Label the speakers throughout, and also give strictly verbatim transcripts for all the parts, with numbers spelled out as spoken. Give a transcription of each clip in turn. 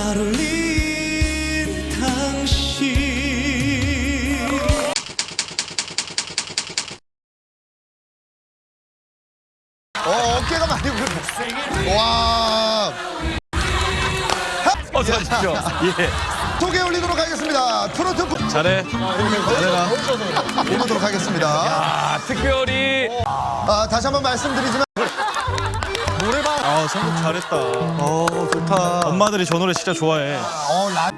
Speaker 1: 날 울린 당신.
Speaker 2: 어, 어깨가 많이 부르네. 와.
Speaker 3: 어서 오십시오. 예.
Speaker 2: 소개 올리도록 하겠습니다. 트로트 부-
Speaker 3: 잘해. 잘해라.
Speaker 2: 보도록 하겠습니다.
Speaker 3: 아, 특별히.
Speaker 2: 아, 다시 한번 말씀드리지만
Speaker 4: 노래방. 아, 선곡 잘했다. 어, 좋다. 엄마들이 저 노래 진짜 좋아해.
Speaker 2: 어, 라...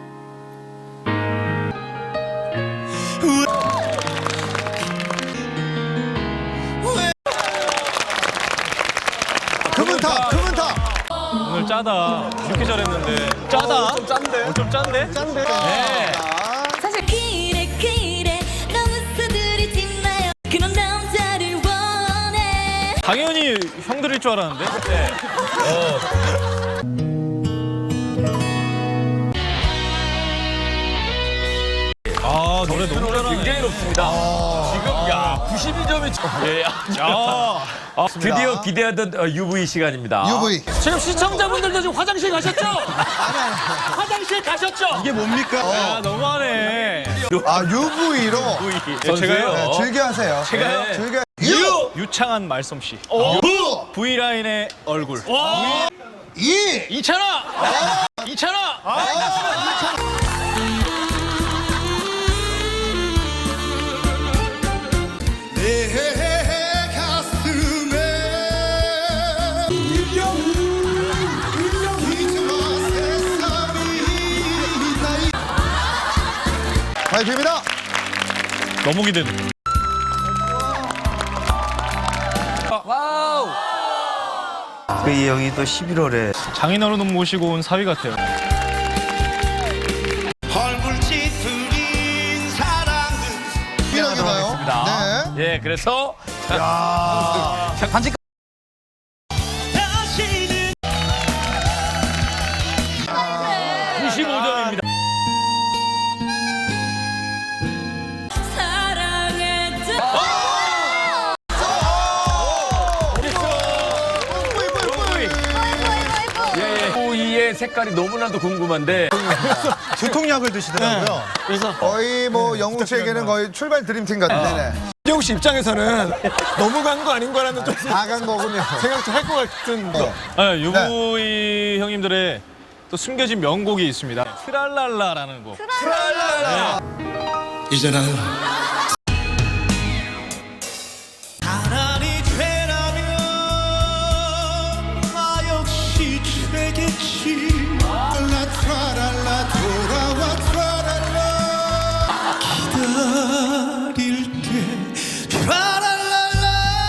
Speaker 2: 금은 타, 금은 타.
Speaker 4: 오늘 짜다. 이렇게 잘했는데. 짜다? 좀 짠데? 어, 좀 짠데? 짠데? 네.
Speaker 5: 사실 그래 그래 너무 서두르지 마요. 그런 남자를 원해.
Speaker 4: 당연히 형들일 줄 알았는데. 네. 아, 노래 너무 잘하네.
Speaker 3: 굉장히 높습니다. 지금, 야, 구십이 점이. 예, 야.
Speaker 4: 야.
Speaker 3: 아, 드디어 기대하던 어, 유브이 시간입니다.
Speaker 2: 유브이.
Speaker 6: 지금 시청자분들도 지금 화장실 가셨죠? 화장실 가셨죠?
Speaker 4: 이게 뭡니까? 야, 너무하네.
Speaker 2: 아, 유브이로
Speaker 3: 선수요.
Speaker 4: 제가요?
Speaker 2: 네, 즐겨 하세요.
Speaker 3: 제가요?
Speaker 2: 네, 즐겨. 유!
Speaker 4: 유창한 말솜씨.
Speaker 2: 부!
Speaker 4: V라인의 얼굴.
Speaker 2: 이!
Speaker 6: 이찬아! 이찬아!
Speaker 2: 내 가슴에 잊어마 세상이 나이 파이팅입니다.
Speaker 4: 너무 기대돼.
Speaker 7: 이 형이 또 십일월에
Speaker 4: 장인어른 모시고 온 사위 같아요.
Speaker 1: 헐물지 들인 사랑은
Speaker 2: 이라고요. 네.
Speaker 3: 예, 그래서.
Speaker 2: 야.
Speaker 3: 반지.
Speaker 1: 다시는
Speaker 3: 구십오 점입니다.
Speaker 5: 사랑했던
Speaker 3: 예, 유브이의 색깔이 너무나도 궁금한데.
Speaker 4: 두통약을 드시더라고요.
Speaker 6: 그래서
Speaker 2: 거의 뭐 영웅 씨에게는 거의 출발 드림팀 같은데.
Speaker 6: 이용 씨 입장에서는 너무 간 거 아닌가라는 좀
Speaker 2: 다 간 거군요.
Speaker 6: 생각도 할 것 같은.
Speaker 4: 네, 유부이 형님들의 또 숨겨진 명곡이 있습니다. 트랄랄라라는 곡.
Speaker 1: 이제는 가난이 죄라면 나 역시 죄겠지. 라 트랄랄라 돌아와 트랄랄라 기다릴게 트랄랄라.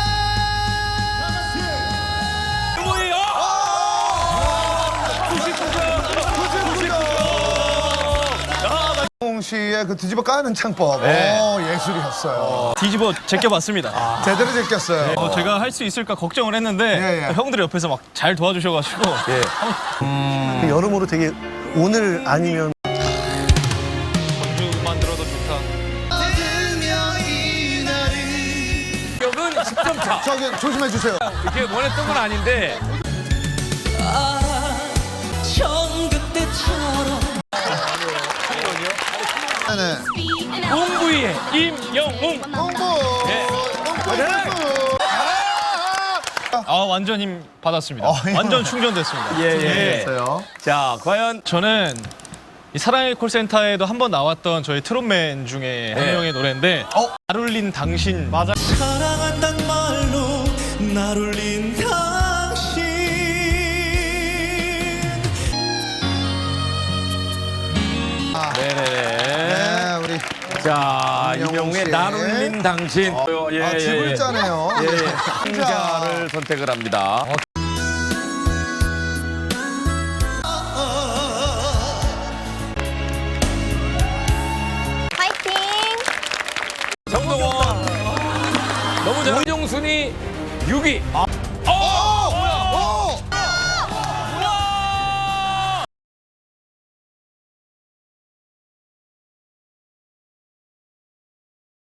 Speaker 3: 유브이,
Speaker 2: 영웅 씨의 그 뒤집어 까는 창법.
Speaker 4: 네.
Speaker 2: 오, 예술이었어요.
Speaker 4: 뒤집어 제껴봤습니다.
Speaker 2: 제대로 제꼈어요.
Speaker 4: 어, 제가 할 수 있을까 걱정을 했는데
Speaker 2: 예, 예.
Speaker 4: 형들이 옆에서 막 잘 도와주셔가지고
Speaker 7: 그 여러모로 되게 오늘 아니면
Speaker 4: 전주만 들어도 좋다.
Speaker 3: 기억은 십 점 차.
Speaker 2: 저기 조심해 주세요.
Speaker 3: 이렇게 원했던 건 아닌데.
Speaker 5: 처음 그때처럼
Speaker 2: 네네.
Speaker 3: 웅부이의 임영웅.
Speaker 2: 홍보.
Speaker 3: 예.
Speaker 2: 홍보.
Speaker 4: 아 완전 힘 받았습니다.
Speaker 2: 어, 힘
Speaker 4: 완전 충전됐습니다.
Speaker 3: 예, 예.
Speaker 2: 됐어요.
Speaker 3: 자, 과연.
Speaker 4: 저는 이 사랑의 콜센터에도 한 번 나왔던 저희 트롯맨 중에 한
Speaker 3: 네.
Speaker 4: 명의 노래인데
Speaker 2: 어?
Speaker 4: 날 울린 당신. 맞아.
Speaker 1: 사랑한단 말로 날 울린 당신.
Speaker 3: 네네네.
Speaker 2: 네, 우리
Speaker 3: 자,
Speaker 2: 임영웅
Speaker 3: 임영웅의
Speaker 2: 씨.
Speaker 3: 날 울린 당신. 어, 예,
Speaker 2: 아,
Speaker 3: 예,
Speaker 2: 집을
Speaker 3: 예.
Speaker 2: 짜네요.
Speaker 3: 예, 예. 상자를 선택을 합니다.
Speaker 5: 파이팅.
Speaker 3: 정동원. 너무 잘. 오정순이 육 위.